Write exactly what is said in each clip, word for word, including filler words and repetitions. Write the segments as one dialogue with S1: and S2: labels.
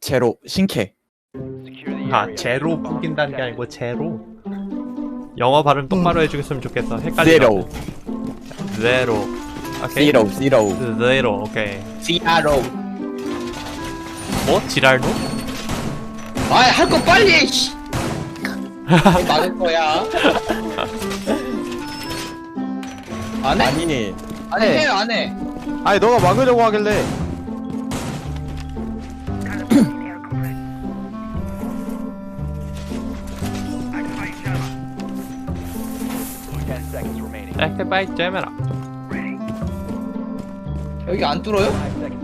S1: 제로 신캐.
S2: 아 제로 풍긴다는 게 아니고 제로. 영어 발음 똑바로 해주겠으면 좋겠어. 헷갈리네.
S1: 제로.
S2: 제로. 오케이.
S1: 제로 제로.
S2: 제로. 오케이.
S1: 제로.
S2: 뭐? 지랄노?
S3: 아이 할 거 빨리 해, 씨. 막을 거야. 안 해?
S1: 아니
S3: 아니 해 안 해?
S4: 아니 너가 막으려고 하길래.
S2: 에헤 바이 제메라.
S3: 여기 안 뚫어요?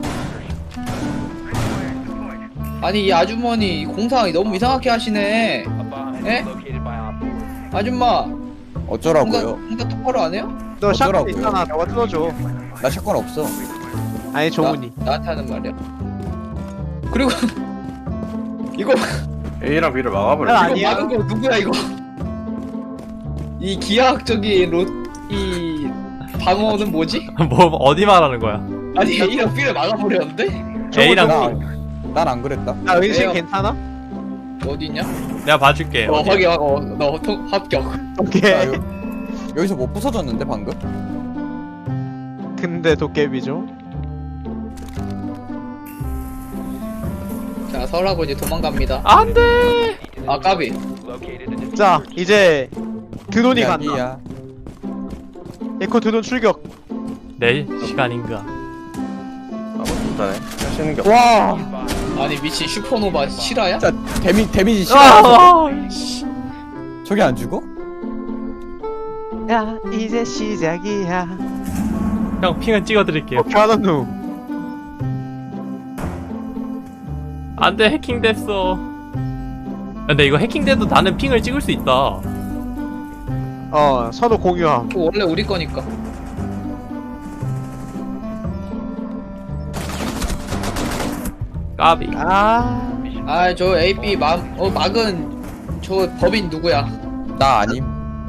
S3: 아니 이 아주머니 공상 너무 이상하게 하시네. 에? 아줌마
S1: 어쩌라고요?
S3: 공상, 공상 똑바로 안 해요?
S4: 너 샷건
S1: 어쩌라고요?
S4: 있잖아. 너가 뜯어줘.
S1: 나 샷건 없어.
S4: 아니 종훈이.
S3: 나, 나한테 하는 말이야. 그리고 이거
S5: A랑 B를 막아버려.
S4: 난
S3: 이거
S4: 아니야.
S3: 막은 거 누구야 이거? 이 기하학적인 로, 이 방어는 뭐지?
S2: 뭐 어디 말하는 거야?
S3: 아니 A랑 B를 막아버렸는데?
S2: A랑
S1: 난 안 그랬다.
S4: 나 은신
S3: 왜요?
S4: 괜찮아?
S3: 어디 있냐?
S2: 내가 봐줄게.
S3: 어
S2: 어디?
S3: 확인 어, 너 통, 합격.
S1: 나
S4: 오케이.
S1: 여, 여기서 뭐 부서졌는데 방금?
S4: 근데 도깨비죠.
S3: 자 설하고 이제 도망갑니다.
S2: 안돼.
S3: 아 까비.
S4: 자 이제 드론이 간다.
S1: 이야기야.
S4: 에코 드론 출격.
S2: 내 시간인가?
S5: 아무것도 못하네. 할 수 있는 게 없어.
S4: 와.
S3: 아니 미친 슈퍼노바 실화야?
S1: 진짜 데미 데미지 싫어.
S2: 아,
S1: 저게 안 죽어?
S4: 야 이제 시작이야.
S2: 형 핑은 찍어드릴게요.
S4: 어떻게 하는 놈?
S2: 안돼 해킹됐어. 근데 이거 해킹돼도 나는 핑을 찍을 수 있다.
S4: 어 서로 공유함.
S3: 그거 원래 우리 거니까.
S2: 까비.
S4: 아.
S3: 아 저 A, B 막, 어, 막은 저 법인 누구야?
S1: 나 아님.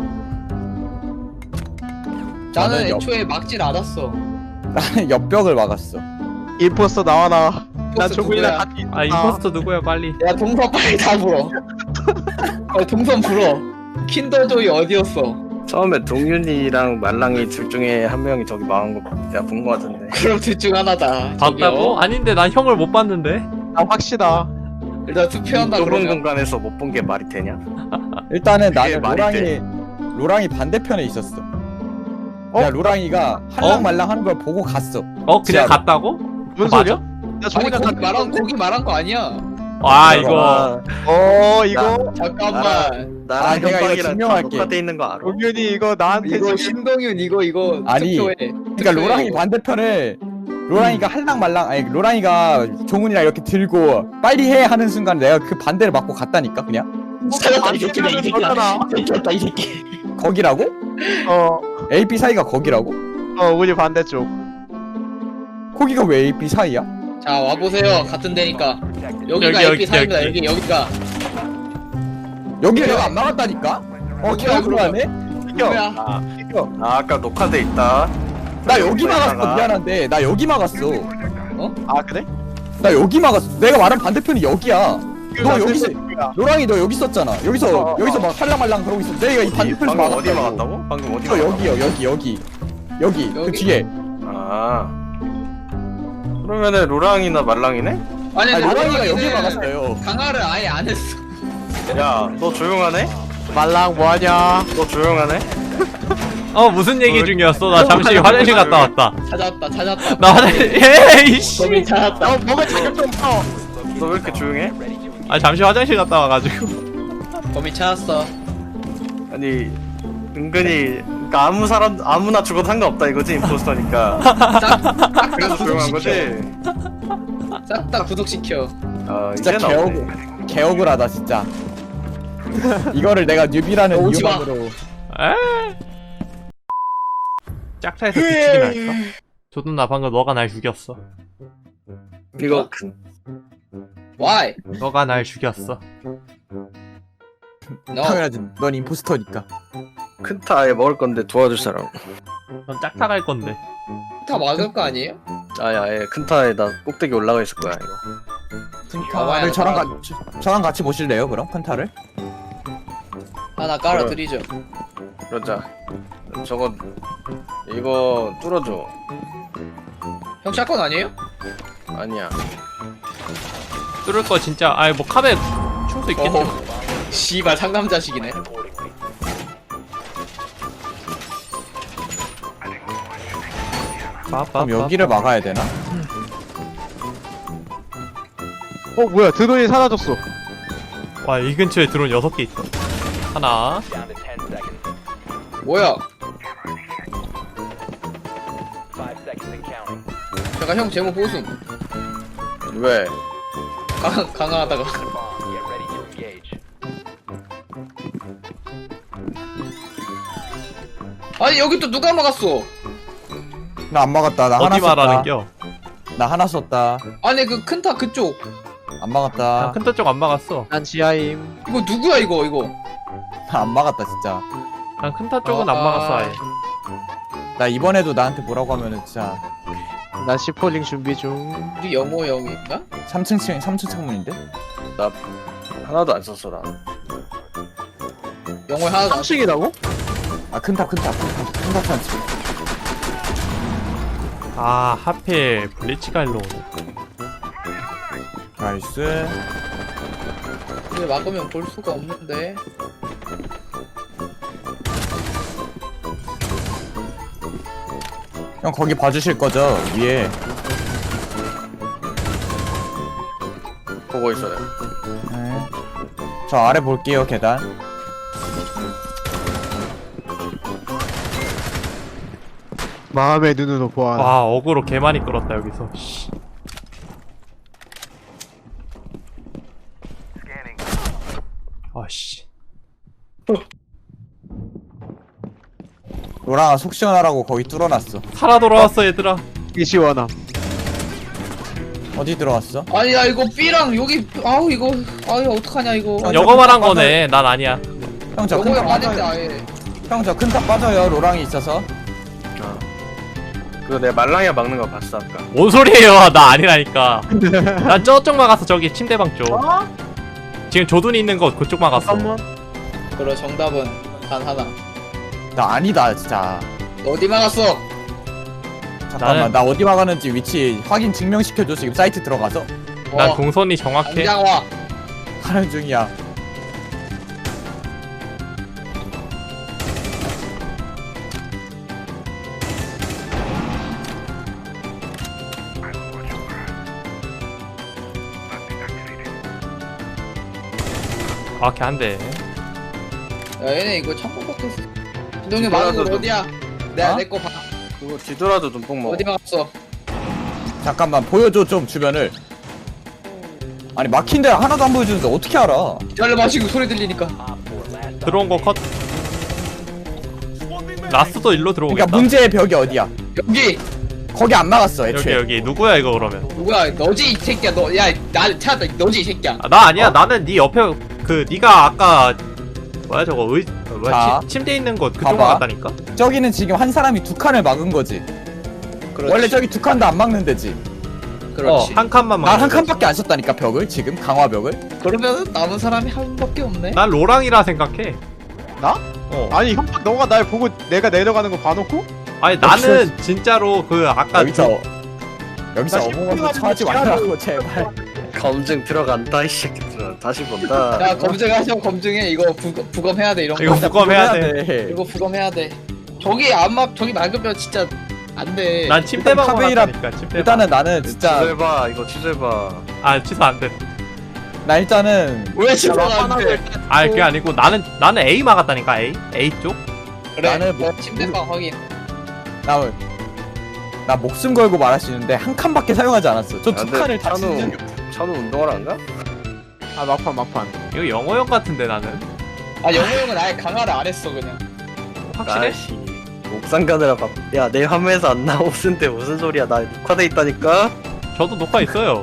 S3: 나는
S1: 나는 옆-
S3: 애초에 막질 않았어.
S1: 나는 옆벽을 막았어.
S4: 임포스터 나와 나와. 나
S3: 임포스터
S4: 종훈이랑
S3: 누구야?
S4: 같이 있어.
S2: 아 임포스터 누구야 빨리.
S3: 야 동선 빨리 다 불어. 어, 동선 불어. 킨더조이 어디였어?
S5: 처음에 동윤이랑 말랑이 둘 중에 한 명이 저기 망한 거 내가 본 거 같은데.
S3: 그럼 둘 중 하나다.
S2: 봤다고?
S3: 저기요.
S2: 아닌데 난 형을 못 봤는데.
S4: 나 확실하.
S3: 일단 투표한다
S5: 좁은
S3: 그러면.
S5: 공간에서 못 본 게 말이 되냐?
S1: 일단은
S5: 그게
S1: 나는
S5: 말이
S1: 로랑이 로랑이 반대편에 있었어.
S4: 어?
S1: 야 로랑이가 할랑말랑 하는 걸 보고 갔어.
S2: 어 그냥
S1: 지하로.
S2: 갔다고?
S4: 뭔
S2: 맞아?
S4: 소리야? 나
S3: 아니
S4: 종훈이랑
S3: 거기
S4: 같이
S3: 말한
S4: 있었는데?
S3: 거기 말한 거 아니야.
S2: 아 이거
S4: 어 이거
S3: 잠깐만.
S5: 나랑
S1: 아, 내가 이거
S5: 현박이랑
S1: 증명할게.
S5: 똑같아 있는 거 알아?
S4: 동윤이 이거 나한테
S3: 이거
S4: 지금
S3: 신동윤 이거 이거
S1: 아니,
S3: 투표해.
S1: 그러니까
S3: 투표해,
S1: 로랑이
S3: 이거.
S1: 반대편에 로랑이가 할랑말랑 아니 로랑이가 종훈이랑 이렇게 들고 빨리 해 하는 순간 내가 그 반대를 맞고 갔다니까 그냥
S3: 찾았다 이 새끼다 이 새끼다.
S4: 거잖아.
S3: 찾았다 이 새끼.
S1: 거기라고?
S4: 어,
S1: A, B 사이가 거기라고?
S4: 어 우리 반대쪽.
S1: 거기가 왜 A, B 사이야?
S3: 자 와보세요. 같은 데니까. 여기가
S2: 여기,
S3: A, B
S2: 여기,
S3: 사입니다.
S2: 여기.
S3: 여기 여기가.
S1: 여기 내가 안 막았다니까? 어
S3: 어디야,
S1: 개억울하네?
S3: 뭐야?
S5: 아, 아 아까 녹화돼 있다.
S1: 나 여기 막았어
S5: 여기다가.
S1: 미안한데 나 여기 막았어
S4: 아 그래?
S1: 나 여기 막았어 내가 말한 반대편이 여기야 너
S4: 나
S1: 여기서
S4: 슬픈 거야.
S1: 로랑이 너 여기 있었잖아 여기서
S4: 어, 어,
S1: 여기서 막 할랑말랑 그러고 있어 내가 이 반대편에서
S5: 방금 어디
S1: 막았다고.
S5: 막았다고? 방금 어디
S1: 이거
S5: 막았다고?
S1: 여기요 여기 여기 여기 그
S3: 여기?
S1: 뒤에
S5: 아 그러면은 로랑이나 말랑이네?
S3: 아니,
S1: 아니
S3: 근데
S1: 로랑이가 여기
S3: 로랑이는
S1: 막았어요
S3: 강화를 아예 안 했어.
S5: 야 너 조용하네?
S4: 말랑 뭐하냐?
S5: 너 조용하네?
S2: 어 무슨 얘기
S5: 뭘-
S2: 중이었어? 나 잠시 화장실 갔다 왔다.
S3: 찾았다 찾았다.
S2: 나 화장실 에이씨.
S3: 범인 찾았다.
S4: 너 먹을 자격 좀 써.
S5: 너 왜 이렇게 조용해?
S2: 아 잠시 화장실 갔다 와가지고.
S3: 범인 찾았어.
S5: 아니 은근히 그러니까 아무 사람 아무나 죽어도 상관없다 이거지 임포스터니까.
S3: 싹다
S5: 그래서 조용한 거지.
S3: 싹다 구독시켜.
S5: 아
S1: 진짜
S5: 이제 나오네.
S1: 개억울 개억울하다 진짜 이거를 내가 뉴비라는
S3: 오지 마.
S1: 이유만으로
S2: 에. 짝타에서 뒤치기 날까? 조든 나 방금 너가 날 죽였어.
S5: 이거
S3: Why?
S2: 너가 날 죽였어.
S3: No.
S1: 당연하지 넌 임포스터니까
S5: 큰타 아예 먹을 건데 도와줄 사람.
S2: 넌 짝타 갈 건데.
S3: 다 막을 거 아니에요?
S5: 아예 아예 큰타에다 꼭대기 올라가 있을 거야 이거.
S1: 큰타를 저랑 가, 저, 저랑 같이 보실래요 그럼 큰타를?
S3: 하나 깔아드리죠.
S5: 그러자. 저거 이거 뚫어줘.
S3: 형 샷건 아니에요?
S5: 아니야.
S2: 뚫을 거 진짜 아이 뭐 카베 충수 있겠죠.
S3: 어허. 씨발 상남자식이네.
S2: 빠빠.
S1: 그럼 여기를 막아야 되나?
S4: 어 뭐야 드론이 사라졌어.
S2: 와이 근처에 드론 여섯 개 있어. 하나.
S3: 뭐야? 잠깐 형 제목 보순.
S5: 왜?
S3: 강 강화하다가. 아니 여기 또 누가 막았어?
S1: 나 안 막았다. 나 하나
S2: 어디 말하는
S1: 썼다.
S2: 겨?
S1: 나 하나 썼다.
S3: 아니 그 큰 타 그쪽.
S1: 안 막았다.
S2: 난 큰타 쪽 안 막았어.
S4: 난 지하임.
S3: 이거 누구야 이거 이거?
S1: 나 안 막았다 진짜.
S2: 난 큰타 쪽은
S3: 아,
S2: 안 막았어 아예.
S1: 나 이번에도 나한테 뭐라고 하면은 진짜
S4: 난 시폴링 준비 중.
S3: 우리 영호 형인가?
S1: 삼 층 층 삼 층 창문인데?
S5: 나 하나도 안 썼어 나.
S3: 영호 하나
S4: 삼 층이라고?
S1: 아 큰타 큰타 큰타 큰타 찬치.
S2: 아 하필 블리치가 일로 오네.
S1: 나이스.
S3: 근데 막으면 볼 수가 없는데.
S1: 형 거기 봐주실 거죠? 위에.
S5: 보고 있어요.
S1: 네. 저 아래 볼게요 계단.
S4: 마음의 눈으로 보아라.
S2: 와 어그로 개 많이 끌었다 여기서. 씨. 아씨.
S1: 노랑아 속 시원하라고 거기 뚫어놨어.
S2: 살아 돌아왔어 얘들아.
S4: 이 시원함.
S1: 어디 들어갔어?
S3: 아니 야 이거 B랑 여기 아우 이거 아유 어떡하냐 이거.
S1: 아,
S2: 여거 말한
S1: 빠져요.
S2: 거네. 난 아니야.
S1: 형 저
S3: 영호
S1: 큰타
S3: 형 아닌데
S1: 빠져요.
S3: 아예.
S1: 형 저 큰타 빠져요. 로랑이 있어서.
S5: 그거 내가 말랑이가 막는 거 봤어 아까.
S2: 뭔 소리예요? 나 아니라니까. 난 저쪽 막았어. 저기 침대방 쪽. 지금 조둔이 있는 곳 그쪽 막았어.
S4: 잠깐만.
S3: 그럼 정답은 단 하나.
S1: 나 아니다 진짜.
S3: 너 어디 막았어?
S1: 잠깐만
S2: 나는-
S1: 나 어디 막았는지 위치 확인 증명시켜줘. 지금 사이트 들어가서
S2: 난
S3: 어,
S2: 동선이 정확해.
S3: 당장 와.
S1: 하는 중이야.
S2: 정확해 한대.
S3: 야 얘네 이거 창고 밖에서. 진동이 막은 거 어디야? 내가
S1: 어?
S3: 내 거 봐.
S5: 그거 뒤돌아도 눈뽕 먹어.
S3: 어디 막았어?
S1: 잠깐만 보여줘 좀 주변을. 아니 막힌 데를 하나도 안 보여주는데 어떻게 알아?
S3: 기다려 마시고 소리 들리니까.
S2: 들어온 거 컷. 라스도 일로 들어오겠다.
S1: 그러니까 문제의 벽이 어디야?
S3: 여기
S1: 거기 안 막았어
S2: 여기
S1: 애초에.
S2: 여기 누구야 이거 그러면?
S3: 누구야? 너지 이 새끼야. 너 야 나 찾았다. 너지 이 새끼야.
S2: 아, 나 아니야. 나는 네 옆에 그 네가 아까 뭐야 저거 의 어, 뭐야
S1: 자,
S2: 침, 침대 있는 곳 그쪽
S1: 봐봐.
S2: 막았다니까?
S1: 저기는 지금 한 사람이 두 칸을 막은 거지.
S3: 그렇지.
S1: 원래 저기 두 칸도 안 막는 데지.
S3: 그렇지.
S2: 어, 한 칸만 막.
S1: 난 한 칸밖에 안 썼다니까 벽을 지금 강화벽을.
S3: 그러면 남은 사람이 한 밖에 없네.
S2: 난 로랑이라 생각해.
S4: 나?
S2: 어.
S4: 아니 형 너가 날 보고 내가 내려가는 거 봐놓고?
S2: 아니 나는 진짜로 그 아까
S1: 여기서 여기서
S4: 나
S1: 어몽어몽
S4: 심쿵하는
S1: 처하지
S4: 거
S1: 말라고 제발.
S5: 검증 들어간다 이 새끼들아. 다시 본다.
S3: 야 검증하셔 검증해. 이거 부, 부검해야 돼 이런 거.
S2: 이거 부검해야 돼.
S3: 이거 부검해야 돼. 저기 안막 저기 막으면 진짜 안 돼.
S2: 난 침대방
S1: 카베이라-
S2: 막았다니까. 침대방.
S1: 일단은 나는 진짜
S5: 취소해봐 이거 취소해봐.
S2: 아 취소 안 돼.
S1: 나 일단은
S3: 왜 치사가 안 돼?
S2: 아 그게 아니고 나는 나는 A 막았다니까. A A 쪽.
S3: 그래.
S1: 나는 뭐-
S3: 침대방 확인.
S1: 나, 나 목숨 걸고 말할 수 있는데 한 칸밖에 사용하지 않았어. 저 두
S5: 근데
S1: 칸을 다
S5: 찬우-
S1: 치는 적이 없어.
S5: 찬우 운동을 안 가?
S4: 아 막판 막판.
S2: 이거 영어 형 같은데 나는.
S3: 아 영호 형은 아예 강화를 안 했어 그냥.
S2: 확실해?
S5: 아이씨. 옥상 가느라 밥. 야내 화면에서 안 나오는데 무슨 소리야? 나 녹화돼 있다니까.
S2: 저도 녹화 있어요.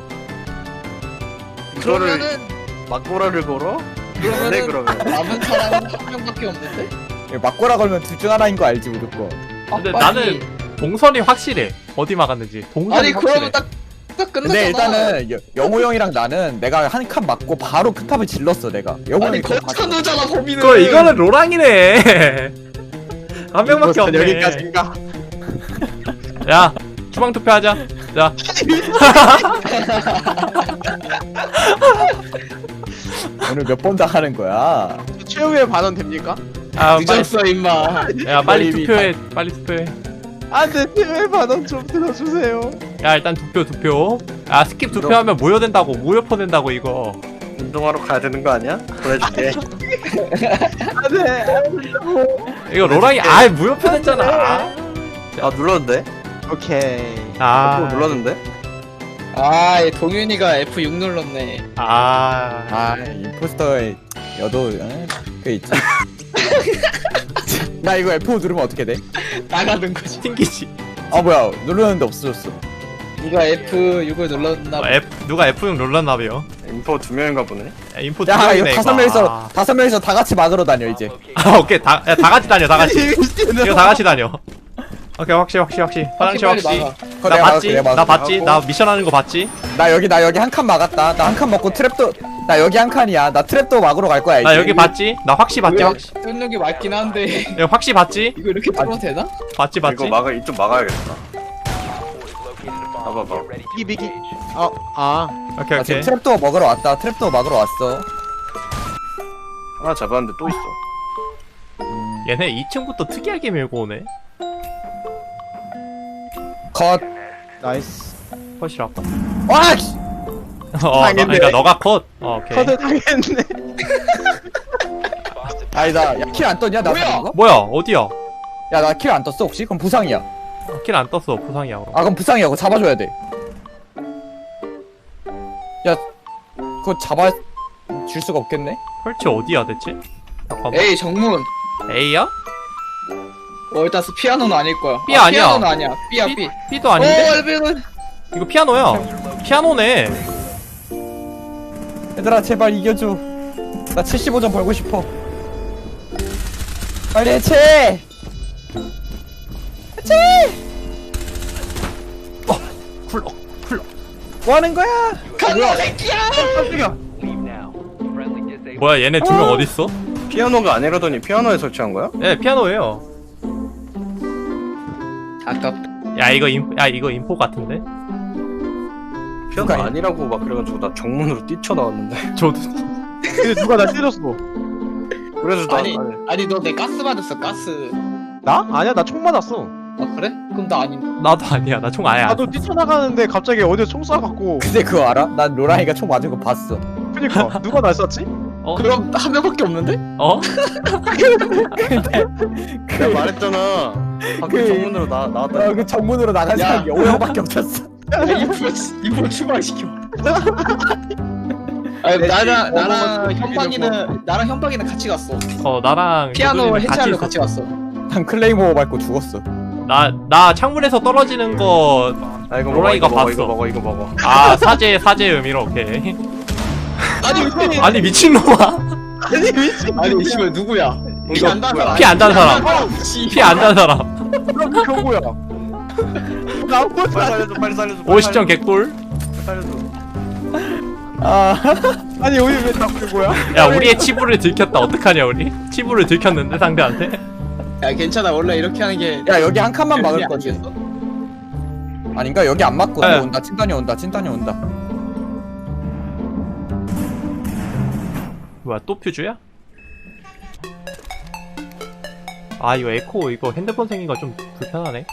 S5: 이거를
S3: 그러면은
S5: 막고라를 걸어?
S3: 그러면은
S5: 네 그러면.
S3: 남은 사람은 한 명밖에 없는데?
S1: 이거 막고라 걸면 둘 중 하나인 거 알지 무조건.
S2: 근데
S3: 아, 빨리.
S2: 나는 동선이 확실해. 어디 막았는지. 동선이
S3: 아니
S2: 확실해.
S3: 그러면 딱 딱 끝났잖아.
S1: 근데 일단은 여- 영호 형이랑 나는 내가 한 칸 맞고 바로 크탑을 질렀어 내가. 영호
S3: 아니
S1: 형이 그거 봤어.
S3: 거쳐놓잖아 범인은.
S2: 그거 이거는 로랑이네. 한 명밖에 없네.
S4: 여기까지인가?
S2: 야 주방 투표하자. 자.
S1: 오늘 몇 번 다 하는 거야?
S4: 최후의 반원 됩니까?
S2: 아 빨리.
S3: 늦었어 임마.
S2: 야 빨리
S1: 머리 위
S2: 투표해. 빨리 투표해.
S4: 안돼 최후의 반원 좀 들어주세요.
S2: 야 일단 투표 투표. 아 스킵 투표하면 무효된다고 무효표 된다고 이거.
S5: 운동하러 가야 되는 거 아니야? 보내줄게.
S4: 안돼.
S2: 이거 로랑이 아 무효표 됐잖아.
S5: 아 눌렀는데?
S4: 오케이.
S2: 아
S5: 아 눌렀는데?
S3: 아, 이 동윤이가 에프 육 눌렀네.
S2: 아.
S1: 아 임포스터의 여도 에? 그 있지. 야 이거 에프 오 누르면 어떻게 돼?
S3: 나가는 거지.
S2: 튕기지.
S1: 아 뭐야 누르는데 없어졌어.
S3: 네가 에프 육을 눌렀나
S2: 어,
S3: 봐.
S2: F 누가 에프 육 눌렀나봐요.
S5: 인포 두 명인가 보네.
S2: 야, 인포
S1: 야 이거
S2: 투명이네,
S1: 다섯
S2: 이거.
S1: 명이서
S2: 아.
S1: 다섯 명이서 다 같이 막으러 다녀 이제.
S2: 아 오케이 다 야, 다 같이 다녀 다 같이. 이거 다 같이 다녀. 오케이 확실 확실 확실. 화장실
S3: 빨리
S2: 확실.
S3: 막아.
S1: 그거
S2: 나
S1: 내가
S2: 봤지?
S1: 막을게, 내가
S2: 나
S1: 막을게.
S2: 봤지? 나 미션 하는 거 봤지?
S1: 나 여기 나 여기 한 칸 막았다. 나 한 칸 먹고 트랩도 나 여기 한 칸이야. 나 트랩도 막으러 갈 거야 이제.
S2: 나 여기 봤지? 나 확시 봤지? 확시.
S3: 뚫는 게 맞긴 한데
S2: 이거 확시 봤지?
S3: 이거 이렇게 뚫어도 되나?
S2: 봤지 봤지?
S5: 이거 막아 이쪽 막아야겠다. 봐봐봐.
S4: 비기 비기. 어 아.
S2: 오케이
S1: 나
S2: 오케이.
S1: 지금 트랩도 먹으러 왔다. 트랩도 막으러 왔어.
S5: 하나 잡았는데 또 있어.
S2: 얘네 이 층부터 특이하게 밀고 오네.
S1: 컷.
S4: 나이스.
S2: 컷이라고?
S1: 와. 씨.
S2: 어, 너, 그러니까 너가 컷. 어, 오케이.
S4: 커드 당했네.
S1: 아니다. 야 킬 안 떴냐? 나
S3: 뭐야?
S1: 잡은 거?
S2: 뭐야? 어디야?
S1: 야 나 킬 안 떴어 혹시? 그럼 부상이야.
S2: 킬 안 떴어. 부상이야 그럼.
S1: 아 그럼 부상이야. 그거 잡아줘야 돼. 야 그거 잡아 줄 수가 없겠네.
S2: 펄치 어디야 대체? 잠깐만.
S3: 에이 정문.
S2: A야?
S3: 어 일단 피아노는 아닐 거야.
S2: B
S3: 아,
S2: 아니야.
S3: 피아노는 아니야. B야 B.
S2: B도 아닌데?
S3: 어 엘비는.
S2: 이거 피아노야. 피아노네.
S1: 얘들아 제발 이겨줘. 나 칠십오 점 벌고 싶어. 빨리 해체. 해체.
S2: 어, 쿨러, 쿨러.
S1: 뭐 하는 거야?
S3: 간다 새끼야.
S2: 뭐야 얘네 두 명 어. 어딨어?
S5: 피아노가 아니라더니 피아노에 설치한 거야?
S2: 예, 피아노예요.
S3: 아깝.
S2: 야 이거 인, 야 이거 인포 같은데?
S5: 피아노
S1: 누가
S5: 아니라고 막 그래가지고 나 정문으로 뛰쳐나왔는데.
S2: 저도.
S4: 근데 누가 나 때렸어.
S5: 그래서 나
S3: 아니
S5: 아니,
S3: 아니 너 내 가스 받았어 가스.
S4: 나? 아니야 나 총 맞았어.
S3: 아 그래? 그럼 나 아닌.
S2: 나도 아니야. 나 총 아예 안.
S4: 나도 뛰쳐나가는데 갑자기 어디서 총 쏴갖고.
S1: 근데 그거 알아? 난 로라이가 총 맞은 거 봤어.
S4: 그니까 누가 날 쐈지?
S2: 어?
S3: 그럼 한 명밖에 없는데?
S2: 어?
S5: 내가 말했잖아. 밖에
S1: 그-
S5: 정문으로 나 나왔다.
S1: 어, 그 정문으로 나간
S3: 야.
S1: 사람이 오형밖에 없었어.
S3: 이프로 이프로 추방시켜. 아니 나랑 나랑 현박이는 나랑 현박이는 같이 갔어.
S2: 어 나랑
S3: 피아노
S2: 조준이는
S3: 해체하러
S2: 같이
S3: 같이
S2: 있었어.
S3: 갔어.
S1: 난 클레이모어 밟고 죽었어.
S2: 나, 나 창문에서 떨어지는 거,
S5: 아 이거 먹어
S2: 로라이가
S5: 이거 먹어
S2: 봤어.
S5: 이거 먹어 이거 먹어.
S2: 아, 사제, 사제 의미로, 오케이.
S3: 아니 왜?
S2: 아니, 미친놈아.
S4: 아니 미친.
S3: 아니 씨발 누구야? 피
S5: 이거
S3: 안 단 사람.
S2: 피 안 단 사람.
S3: 씨.
S2: 피 안 단 사람.
S4: 그럼 경고야. 나 아무것도
S5: 빨리
S4: 안.
S5: 살려줘 빨리 살려줘. 빨리
S2: 오십 점 개꿀.
S5: 살려줘.
S1: 아
S4: 아니 우리 왜 잡는 거야?
S2: 야, 우리의 치부를 들켰다. 어떡하냐, 우리? 치부를 들켰는데, 상대한테?
S3: 야 괜찮아 원래 이렇게 하는 게.
S1: 야 여기 한 칸만 막을
S3: 안
S1: 거지.
S3: 됐어?
S1: 아닌가? 여기 안 맞고
S2: 네.
S1: 온다. 찐단이 온다. 찐단이 온다.
S2: 뭐야, 또 퓨즈야? 아, 이거 에코, 이거 핸드폰 생긴 거 좀 불편하네.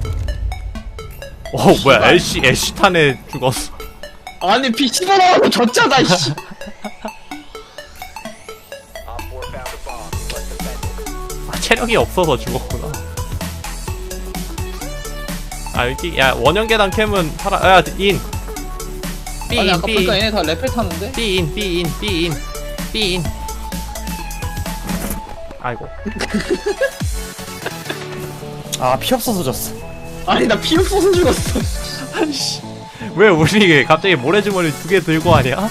S2: 어, 뭐야, 애쉬, 애쉬탄에 죽었어.
S3: 아니 피 씹어나가고 졌잖아 씨.
S2: 아, 체력이 없어서 죽었구나. 아, 여기, 야, 원형계단 캠은 살아, 야, 인.
S3: 아니
S2: 삐인,
S3: 아까 보니까
S2: 삐인,
S3: 얘네 다 랩을 타는데?
S2: 삐인, 삐인, 삐인, 삐인. 아이고.
S1: 아 피 없어서 졌어.
S3: 아니 나 피 없어서 죽었어.
S2: 아이씨. 왜 우리 갑자기 모래주머니 두 개 들고 하냐?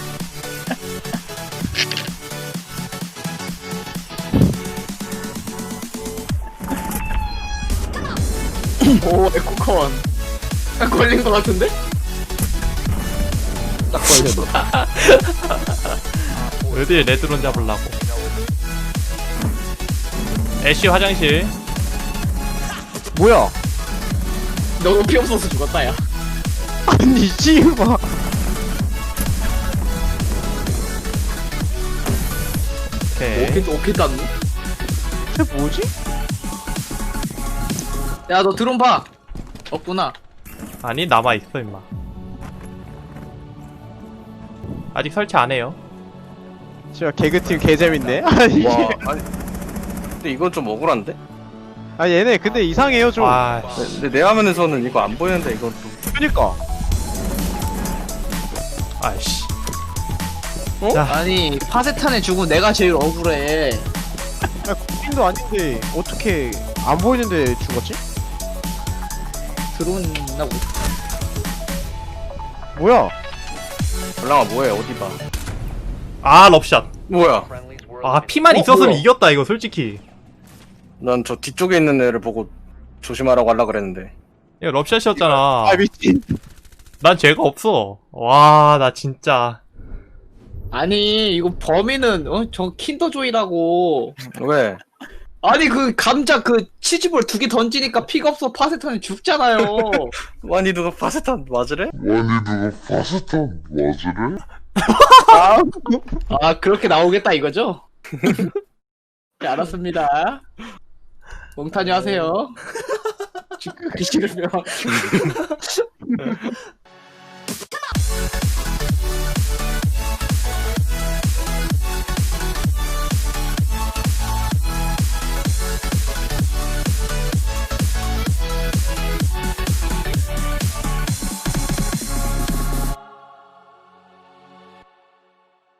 S3: 오 에코컨. 걸린 거 같은데?
S1: 딱 걸려도.
S2: 어디 레드론 잡으려고. 애쉬 화장실.
S4: 뭐야?
S3: 너무 피 없어서 죽었다 야.
S4: 아니 씨발.
S2: 오케이.
S3: 오케이 오케이 땄네.
S4: 쟤 뭐지?
S3: 야너 드론 봐. 없구나.
S2: 아니 남아있어 임마. 아직 설치 안해요.
S4: 진짜 개그팀 개재밌네. 아니,
S5: 와 아니 근데 이건 좀 억울한데?
S4: 아 얘네 근데 이상해요 좀.
S2: 아씨.
S5: 근데 내 화면에서는 이거 안 보이는데 이건 또
S4: 그니까.
S2: 아이씨.
S3: 아니 파세탄에 죽은 내가 제일 억울해.
S4: 야 국민도 아닌데 어떻게 안 보이는데 죽었지?
S3: 드론 나고.
S4: 뭐야?
S5: 올랑아 뭐해 어디 봐
S2: 아 럽샷.
S5: 뭐야
S2: 아 피만
S3: 어,
S2: 있었으면
S3: 뭐야?
S2: 이겼다 이거 솔직히.
S5: 난 저 뒤쪽에 있는 애를 보고 조심하라고 하려 그랬는데
S2: 이거 럽샷이었잖아.
S4: 아 미친.
S2: 난 죄가 없어. 와 나 진짜.
S3: 아니 이거 범인은 어 저 킨더조이라고.
S5: 왜?
S3: 아니 그 감자 그 치즈볼 두 개 던지니까 피가 없어 파세탄에 죽잖아요.
S5: 아니 누가 파세탄 맞으래?
S6: 아니 누가 파스탄 맞으래?
S3: 아 그렇게 나오겠다 이거죠? 네, 알았습니다. 몽타뉴 하세요. 죽기 싫으면.